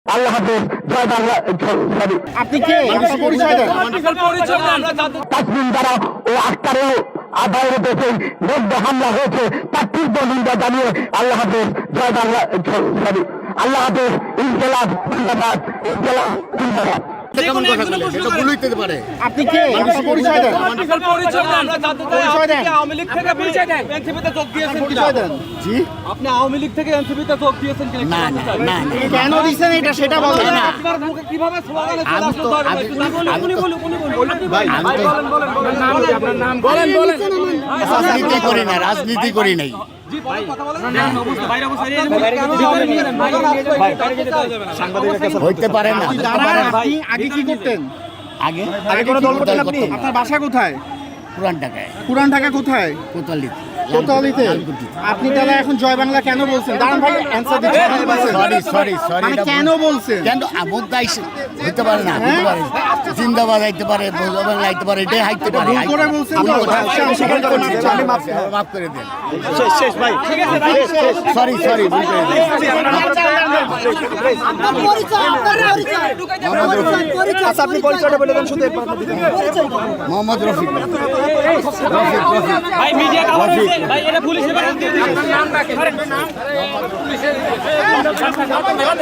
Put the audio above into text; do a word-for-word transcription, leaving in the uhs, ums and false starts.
আল্লাহ হাফেজ, জয় বাংলা। সরি, আপনি কে? আপনার পরিচয় দেন। তাসমিম দ্বারা ও আক্তারের আদায়ের দেশে মধ্যে হামলা হয়েছে তার তীব্র নিন্দা জানিয়ে আল্লাহ হাফেজ, জয় বাংলা। সরি, আল্লাহ হাফেজ, ইনকিলাব জিন্দাবাদ, ইনকিলাব জিন্দাবাদ। আপনি কে? আপনার পরিচয় দেন। পরিচয় দেন। আওয়ামী লীগ থেকে পরিচয় দেন। এনসিপিতে যোগ দিয়েছেন কিনা? পরিচয় দেন। জি, আপনি আওয়ামী লীগ থেকে এনসিপিতে যোগ দিয়েছেন কিনা? না না না না। কেন দিছেন এটা সেটা বলেন না। আপনার মুখে কিভাবে স্লোগান আছে? আমি তো আমি আমি তো ভাই আমি তো আপনার নাম বলেন বলেন। রাজনীতি করি না, রাজনীতি করি নাই। জি, বলেন, কথা বলেন। না, অবশ্যই বাইরে অবশ্যই ভিতরে নিয়ে যান। ভাই বাইরে যেতে হবে না। সাংবাদিকের কাছে হইতে পারে না, হইতে দাঁড়ান, পারে না। আপনি আগে কি করতেন? আগে আগে কোনো দল করতেন দল আপনি? করতাম না। আপনার বাসা কোথায়? পুরান ঢাকায়, পুরান ঢাকা কোথায়? কোতোয়ালিতে। কোতোয়ালিতে। লালকুটিতে। আপনি তাহলে এখন জয় বাংলা কেন বলছেন? দাঁড়ান ভাই, অ্যানসার দিচ্ছেন। সরি সরি সরি মানে কেন বলছেন? কেন আমোদ দাইস হইতে পারে না, হইতে পারে। জিন্দাবাদ আইতে পারে, ভোজবাং আইতে পারে, এটাই হাইতে পারে। ভুল করে বলছেন তো? আচ্ছা, আমি স্বীকার করে নিচ্ছি। আমি মাফ করব। মাফ করে দেন। শেষ ভাই। ঠিক আছে ভাই। সরি সরি ভুল করে দেন। আচ্ছা, আপনি পরিচয়টা বলে দেন শুধু এরপর মোহাম্মদ রফিক। ভাই মিডিয়া কভার হয়েছে ভাই, এটা পুলিশ এবার দিয়ে দিন। আপনার নাম রাখেন।